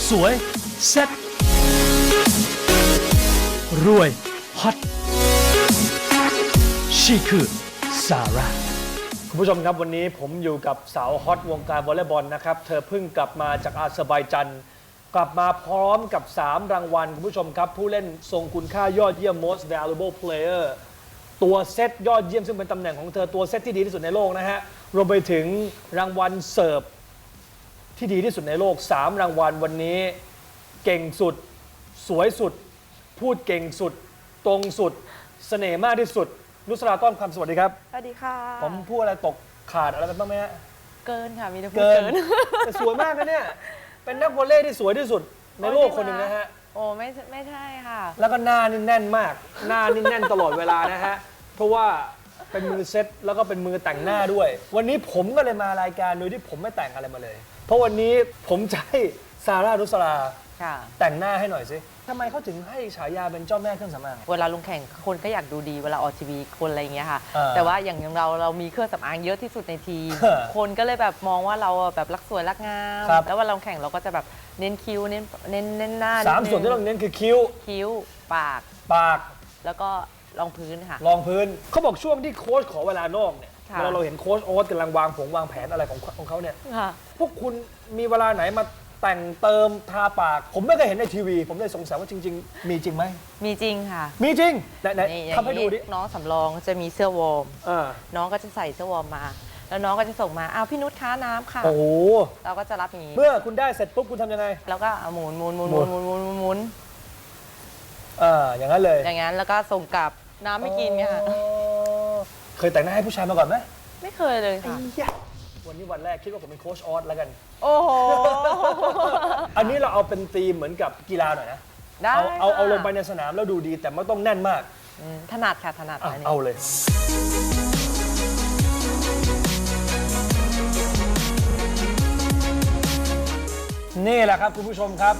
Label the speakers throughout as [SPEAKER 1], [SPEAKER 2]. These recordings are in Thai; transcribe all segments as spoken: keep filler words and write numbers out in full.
[SPEAKER 1] สวยเซ็ตรวยฮอตชีคือซาร่าคุณผู้ชมครับวันนี้ผมอยู่กับสาวฮอตวงการวอลเลย์บอลนะครับเธอเพิ่งกลับมาจากอาเซอร์ไบจันกลับมาพร้อมกับสามรางวัลคุณผู้ชมครับผู้เล่นทรงคุณค่ายอดเยี่ยม most valuable player ตัวเซตยอดเยี่ยมซึ่งเป็นตำแหน่งของเธอตัวเซตที่ดีที่สุดในโลกนะฮะรวมไปถึงรางวัลเสิร์ฟที่ดีที่สุดในโลกสามรางวัลวันนี้เก่งสุดสวยสุดพูดเก่งสุดตรงสุดเสน่ห์มากที่สุดนุสราต้อมคำสวัสดีครับ
[SPEAKER 2] สวัสดีค่ะ
[SPEAKER 1] ผมพูดอะไรตกขาดอะไรไปบ้างไหมฮะ
[SPEAKER 2] เกินค่ะมีแต่พูด
[SPEAKER 1] เกิน
[SPEAKER 2] เกิน
[SPEAKER 1] แต่สวยมากนะเนี่ยเป็นนักวอลเลย์ที่สวยที่สุดในโลกคนหนึ่งนะฮะ
[SPEAKER 2] โอ้ไม่ไม่ใช่ค่ะ
[SPEAKER 1] แล้วก็หน้านี่แน่นมากหน้านี่แน่นตลอดเวลานะฮะเพราะว่าเป็นมือเซ็ตแล้วก็เป็นมือแต่งหน้าด้วย วันนี้ผมก็เลยมารายการโดยที่ผมไม่แต่งอะไรมาเลย เพราะวันนี้ผมจะให้ซาร่านุสราแต่งหน้าให้หน่อยสิทำไมเขาถึงให้ฉายาเป็นเจ้าแม่เครื่องสำอาง
[SPEAKER 2] เวลาลงแข่งคนก็อยากดูดีเวลาออกทีวีคนอะไรอย่างเงี้ยค่ะ
[SPEAKER 1] เออ
[SPEAKER 2] แต่ว่าอย่างเราเรามีเครื่องสำอางเยอะที่สุดในทีม
[SPEAKER 1] เออ
[SPEAKER 2] คนก็เลยแบบมองว่าเราแบบรักสวยรักงาม
[SPEAKER 1] ครับ
[SPEAKER 2] แล้วเวลาลงแข่งเราก็จะแบบเน้นคิ้วเน้นเน้นเน้นหน้า
[SPEAKER 1] สาม
[SPEAKER 2] ดง
[SPEAKER 1] ส่วนที่เราเน้นคือคิ้ว
[SPEAKER 2] คิ้วปาก
[SPEAKER 1] ปาก
[SPEAKER 2] แล้วก็รองพื้นค่ะ
[SPEAKER 1] รองพื้นเขาบอกช่วงที่โค้ชขอเวลานอกเนี่ย
[SPEAKER 2] ค่ะ
[SPEAKER 1] เวลาเราเห็นโค้ชโอ๊ตกำลังวางผงวางแผนอะไรของของเขาเนี่ย
[SPEAKER 2] ค่ะ
[SPEAKER 1] พวกคุณมีเวลาไหนมาแต่งเติมทาปาก ผมไม่เคยเห็นในทีวี ผมเลยสงสัยว่าจริง ๆ มีจริงไหม
[SPEAKER 2] มีจริงค่ะ
[SPEAKER 1] มีจริงไหนไหน
[SPEAKER 2] นี่อย่าง
[SPEAKER 1] ทำให้ดูดิ
[SPEAKER 2] นี้น้องสำรองจะมีเสื้อวอร์ม
[SPEAKER 1] อ่า
[SPEAKER 2] น้องก็จะใส่เสื้อวอร์มมา แล้วน้องก็จะส่งมาอ้าวพี่นุชค้าน้ำค่ะ
[SPEAKER 1] โอ้โห
[SPEAKER 2] เราก็จะรับอย่างนี้
[SPEAKER 1] เมื่อคุณได้เสร็จปุ๊บคุณทำยังไง
[SPEAKER 2] แล้วก็เอาหมุนหมุนหมุน
[SPEAKER 1] ห
[SPEAKER 2] ห
[SPEAKER 1] มุ
[SPEAKER 2] มุ
[SPEAKER 1] น
[SPEAKER 2] นหมุนหมุนหมุนหมุน
[SPEAKER 1] อ่าอย่างนั้นเลย
[SPEAKER 2] อย่างนั้นแล้วก็ส่งกลับน้ำไม่กินไงค่ะ
[SPEAKER 1] อ๋อเคยแต่งหน้าให้ผู้ชายมาก่อนไหม
[SPEAKER 2] ไม่เคยเลยค่ะ
[SPEAKER 1] ไอ้ยะวันนี้วันแรกคิดว่าผมเป็นโค้ชออสแล้วกัน
[SPEAKER 2] โอ้โห
[SPEAKER 1] อันนี้เราเอาเป็นธีมเหมือนกับกีฬาหน่อยนะ
[SPEAKER 2] ได้
[SPEAKER 1] เอาเอาเอา
[SPEAKER 2] ค่ะ
[SPEAKER 1] ลงไปในสนามแล้วดูดีแต่ไม่ต้องแน่นมาก
[SPEAKER 2] อืมถนัดค่ะถนัด
[SPEAKER 1] อ่ะ
[SPEAKER 2] อันนี้
[SPEAKER 1] เอาเลย นี่แหละครับคุณผู้ชมครับ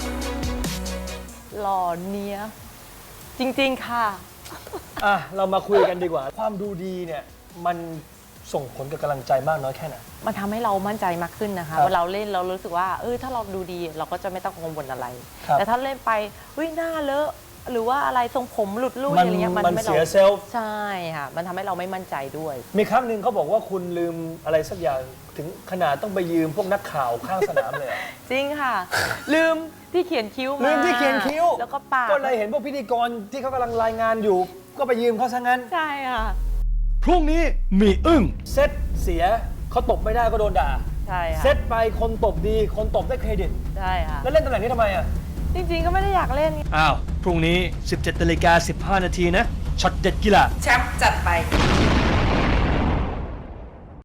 [SPEAKER 2] หล่อเนี้ยจริงๆค่ะ
[SPEAKER 1] อ่ะเรามาคุยกันดีกว่า ความดูดีเนี่ยมันส่งผลกับกำลังใจมากน้อยแค่ไหน
[SPEAKER 2] มันทำให้เรามั่นใจมากขึ้นนะคะ
[SPEAKER 1] ครับ
[SPEAKER 2] เวลาเราเล่นเรารู้สึกว่าเออถ้าเราดูดีเราก็จะไม่ต้องกังวลอะไร
[SPEAKER 1] ครับ
[SPEAKER 2] แต่ถ้าเล่นไปวิหน้าเลอะหรือว่าอะไรทรงผมหลุดลุ่ย
[SPEAKER 1] มัน
[SPEAKER 2] อะไรเงี้ย
[SPEAKER 1] มัน
[SPEAKER 2] ไม่
[SPEAKER 1] เสียเซลฟ์
[SPEAKER 2] ใช่ค่ะมันทำให้เราไม่มั่นใจด้วย
[SPEAKER 1] มีครั้งหนึ่งเขาบอกว่าคุณลืมอะไรสักอย่างถึงขนาดต้องไปยืมพวกนักข่าวข้างสนามเลยอะ
[SPEAKER 2] จริงค่ะ ลืมที่เขียนคิ้วมา
[SPEAKER 1] ลืมที่เขียนคิ้ว
[SPEAKER 2] แล้วก็ปาก
[SPEAKER 1] ก็เลยเห็นพวกพิธีกรที่เขากำลังรายงานอยู่ ก็ไปยืมเขาซะงั้น
[SPEAKER 2] ใช่ค่ะ
[SPEAKER 1] พรุ่งนี้มีอึ้งเซตเสียเขาตบไม่ได้ก็โดนด่า
[SPEAKER 2] ใช่ค่ะ
[SPEAKER 1] เซตไปคนตบดีคนตบได้เครดิต
[SPEAKER 2] ใช่ค่ะ
[SPEAKER 1] แล้วเล่นตำแหน่งนี้ทำไมอ่ะ
[SPEAKER 2] จริงๆก็ไม่ได้อยากเล่น
[SPEAKER 1] อ้าว พรุ่งนี้ สิบเจ็ดนาฬิกาสิบห้านาทีนะช็อตเด็ดกีฬา
[SPEAKER 2] แชมป์จัดไป